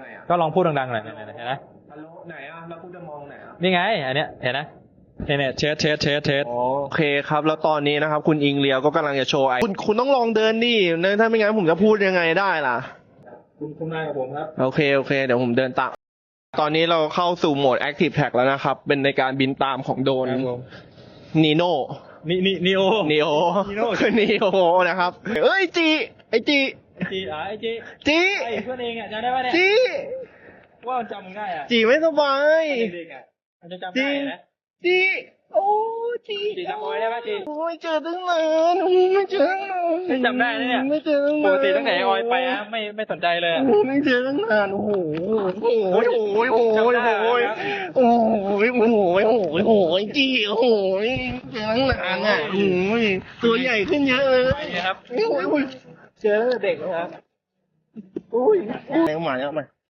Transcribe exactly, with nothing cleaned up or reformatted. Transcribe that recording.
ไงอ่ะก็ลองพูดดังๆหน่อยเนี่ยเห็นไหมฮัลโหลไหนอ่ะแล้วคุณจะมองไหนอ่ะนี่ไงอันเนี้ยเห็นไหมเนี่ยเนี่ยเทสเทสเทสเทสโอเคครับแล้วตอนนี้นะครับคุณอิงเลียวก็กำลังจะโชว์ไอคุณคุณต้องลองเดินดิถ้าไม่งั้นผมจะพูดยังไงได้ล่ะคุณคุณนายกับผมครับโอเคโอเคเดี๋ยวผมเดินตามตอนนี้เราเข้าสู่โหมด Active Track แล้วนะครับเป็นในการบินตามของโดรนนีโน่นี่นี่นีโอนีโอนีโน่คือนีโอนะครับเอ้ยจีไอจีไอจีอ่ะไอจีจีไอเพื่อนเองอ่ะจำได้ป่ะเนี่ยจีว่ามันจำมึงได้อ่ะจีไม่สบายเด็กๆอ่ะมันจะจำได้นะจีโอ้จีจีจำเอาไว้ได้ป่ะจีโอ้ยเจอตั้งนานโอ้ยไม่เจอตั้งนานไม่จำได้นะเนี่ยไม่เจอตั้งปนานกติตั้งแต่ออยไปอ่ะไม่ไม่สนใจเลยอะโอ้ยไม่เจอตั้งนานโอ้โหโอ้ยโอ้ยโอ้ยโอ้ยโอ้ยโอ้ยโอ้ยโอ้ยโอ้ยโอ้ยจีโอ้ยเจอตั้งนานอ่ะโอ้ยตัวใหญ่ขึ้นเยอะเลยนี่ครับโอ้ยโอ้ยเจอเด็กนะครับโอ้ยแรงมาแล้วมา